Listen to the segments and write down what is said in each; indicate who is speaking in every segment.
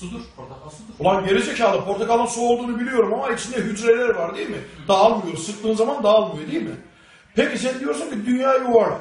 Speaker 1: Sudur. Portakal sudur.
Speaker 2: Ulan gerizekalı, portakalın su olduğunu biliyorum ama içinde hücreler var değil mi? Dağılmıyor. Sıktığın zaman dağılmıyor değil mi? Peki sen diyorsun ki dünya yuvarlak.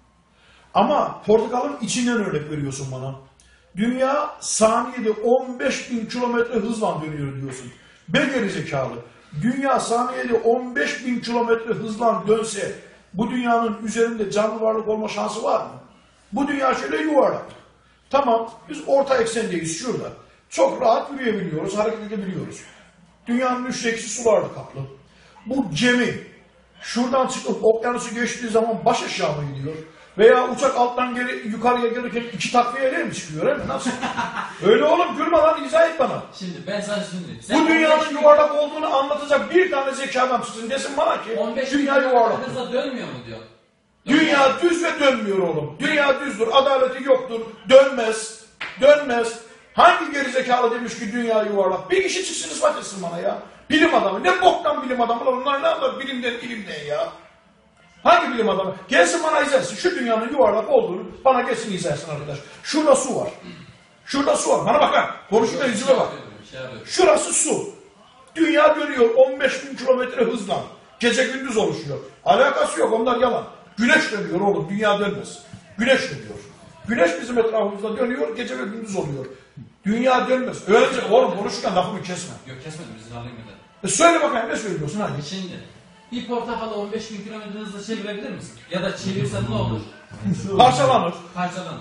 Speaker 2: Ama portakalın içinden örnek veriyorsun bana. Dünya saniyede 15.000 kilometre hızla dönüyor diyorsun. Be gerizekalı. Dünya saniyede 15.000 kilometre hızla dönse bu dünyanın üzerinde canlı varlık olma şansı var mı? Bu dünya şöyle yuvarlak. Tamam, biz orta eksendeyiz şurada. Çok rahat yürüyebiliyoruz, hareket edebiliyoruz. Dünyanın üçte ikisi sularla kaplı. Bu gemi şuradan çıkıp okyanusu geçtiği zaman baş aşağı mı gidiyor? Veya uçak alttan yukarıya gelirken iki takviyeyle mi çıkıyor? Değil mi? Nasıl? Öyle oğlum, gülme lan, izah et bana.
Speaker 1: Şimdi ben sana söyleyeyim.
Speaker 2: Bu dünyanın yuvarlak olduğunu anlatacak bir tane zekadan çıksın desin bana ki dünya yuvarlak.
Speaker 1: Hızla dönmüyor mu diyor.
Speaker 2: Dünya düz ve dönmüyor oğlum. Dünya düzdür, adaleti yoktur, dönmez, dönmez. Hangi gerizekalı demiş ki dünya yuvarlak? Bir kişi çıksın ispat etsin bana ya. Bilim adamı. Ne boktan bilim adamı lan? Onlar ne anlar bilimden ilimden ya? Hangi bilim adamı? Gelsin bana izah etsin. Şu dünyanın yuvarlak olduğunu bana gelsin izah etsin arkadaş. Şurada su var. Şurada su var. Bana bakar. Konuşma yüzüme bak. Şurası su. Dünya dönüyor 15.000 kilometre hızla. Gece gündüz oluşuyor. Alakası yok, onlar yalan. Güneş dönüyor oğlum, dünya dönmez. Güneş dönüyor. Güneş bizim etrafımızda dönüyor, gece ve gündüz oluyor. Dünya dönmez. Öylece oğlum konuşurken lafımı kesme.
Speaker 1: Yok kesmedim, izin alayım bir de.
Speaker 2: Söyle bakayım, ne söylüyorsun hadi.
Speaker 1: Şimdi bir portakalı 15.000 kilometre hızla çevirebilir misin? Ya da çevirsen ne olur?
Speaker 2: Parçalanır.
Speaker 1: Parçalanır.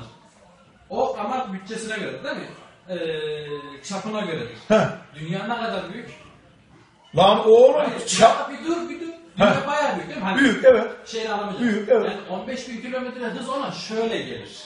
Speaker 1: O ama bütçesine göre değil mi? Çapına göre. Dünya ne kadar büyük?
Speaker 2: Lan oğlum
Speaker 1: çap. Bir dur. Dünya bayağı büyük değil mi? Hani
Speaker 2: büyük evet.
Speaker 1: Şeyini alamayacak.
Speaker 2: Büyük evet.
Speaker 1: Yani 15.000 kilometre hız ona şöyle gelir.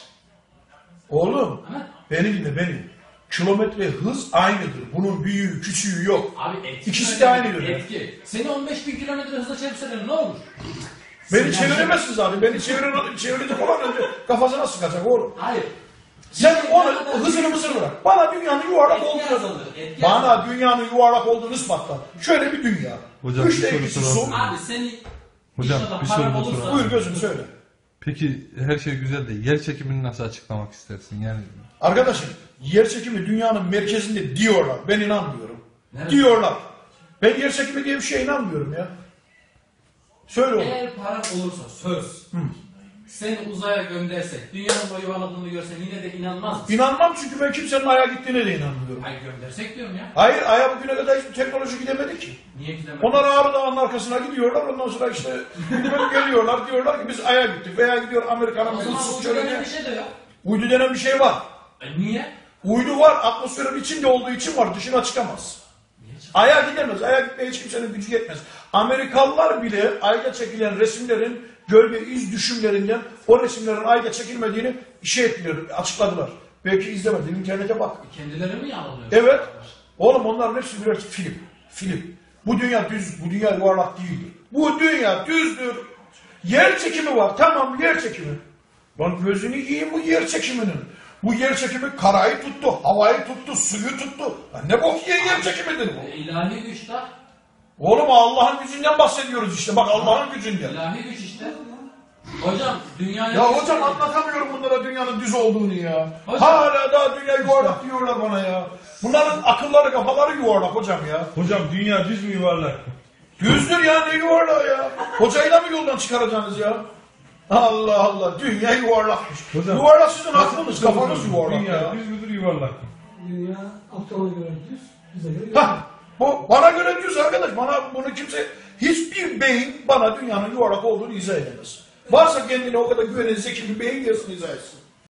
Speaker 2: Oğlum beni dinle beni. Kilometre hız aynıdır. Bunun büyüğü küçüğü yok.
Speaker 1: Abi etki.
Speaker 2: İkisi de aynıdır.
Speaker 1: Etki. Seni 15.000 kilometre hızla çevirseler ne olur?
Speaker 2: Beni çeviremezsiniz abi. Beni çevirecek olan önce kafasına sıkacak oğlum.
Speaker 1: Hayır.
Speaker 2: Sen onu hızını mısır bırak. Bana dünyanın yuvarlak olduğunu bana dünyanın yuvarlak olduğunu ispatla. Şöyle bir dünya.
Speaker 3: Hocam
Speaker 2: Üçte
Speaker 3: bir
Speaker 2: ikisi
Speaker 3: soru
Speaker 2: su.
Speaker 3: soralım.
Speaker 1: Abi seni
Speaker 3: Hocam bir soru soralım.
Speaker 2: Buyur gözüm söyle.
Speaker 3: Peki her şey güzel de yer çekimini nasıl açıklamak istersin? Yani
Speaker 2: Arkadaşım yer çekimi dünyanın merkezinde diyorlar. Ben inanmıyorum.
Speaker 1: Nerede?
Speaker 2: Diyorlar. Ben yer çekimi diye bir şeye inanmıyorum ya. Söyle oğlum.
Speaker 1: eğer paran olursa söz. Seni uzaya göndersek, dünyanın boyu yuvarladığını görsen yine de inanmaz mısın?
Speaker 2: İnanmam çünkü ben kimsenin Ay'a gittiğine de inanmıyorum.
Speaker 1: Hayır göndersek diyorum ya.
Speaker 2: Hayır Ay'a bugüne kadar hiçbir teknoloji gidemedi ki.
Speaker 1: Niye gidemez?
Speaker 2: Onlar Ağrı Dağı'nın arkasına gidiyorlar. Ondan sonra işte geliyorlar diyorlar ki biz Ay'a gittik. Veya gidiyor Amerika'nın
Speaker 1: O zaman
Speaker 2: ıssız
Speaker 1: uydu
Speaker 2: çölüne.
Speaker 1: denen bir şey de yok.
Speaker 2: Uydu denen bir şey var.
Speaker 1: Niye?
Speaker 2: Uydu var. Atmosferin içinde olduğu için var. Dışına çıkamaz. Ay'a gidemez. Ay'a gitmeye hiç kimsenin gücü yetmez. Amerikalılar bile Ay'da çekilen resimlerin gölge iz düşümlerinden o resimlerin Ay'da çekilmediğini açıkladılar. Belki izlemedin. İnternete bak.
Speaker 1: Kendileri mi yalanıyor?
Speaker 2: Evet. Oğlum onların hepsi birer film. Film. Bu dünya düz, bu dünya yuvarlak değildir. Bu dünya düzdür. Yer çekimi var. Tamam yer çekimi. Lan gözünü yiyeyim bu yer çekiminin. Bu yer çekimi karayı tuttu, havayı tuttu, suyu tuttu. Lan ne bok yiyen yer çekimidir bu?
Speaker 1: İlahi güç de.
Speaker 2: Oğlum Allah'ın gücünden bahsediyoruz işte. Bak Allah'ın gücünden.
Speaker 1: İlahi güç işte. Hocam dünyaya...
Speaker 2: Ya hocam anlatamıyorum bunlara dünyanın düz olduğunu ya.
Speaker 1: Hocam.
Speaker 2: Hala daha dünya yuvarlak diyorlar bana ya. Bunların akılları kafaları yuvarlak hocam ya.
Speaker 4: Hocam dünya düz mü yuvarlak?
Speaker 2: Düzdür ya ne yuvarlağı ya. Hocayı da mı yoldan çıkaracaksınız ya? Allah Allah dünya yuvarlakmış.
Speaker 4: Hocam,
Speaker 2: yuvarlak sizin aklınız kafanız yuvarlak
Speaker 4: dünya
Speaker 2: ya.
Speaker 4: düz müdür yuvarlak mı?
Speaker 5: Dünya Aptal'a göre düz, bize göre
Speaker 2: Hah,
Speaker 5: yuvarlak.
Speaker 2: bu bana göre düz arkadaş. Bana bunu kimse hiçbir beyin bana dünyanın yuvarlak olduğunu izah edemez. Varsa kendine o kadar güvenen zeki bir beyin gelsin izah etsin.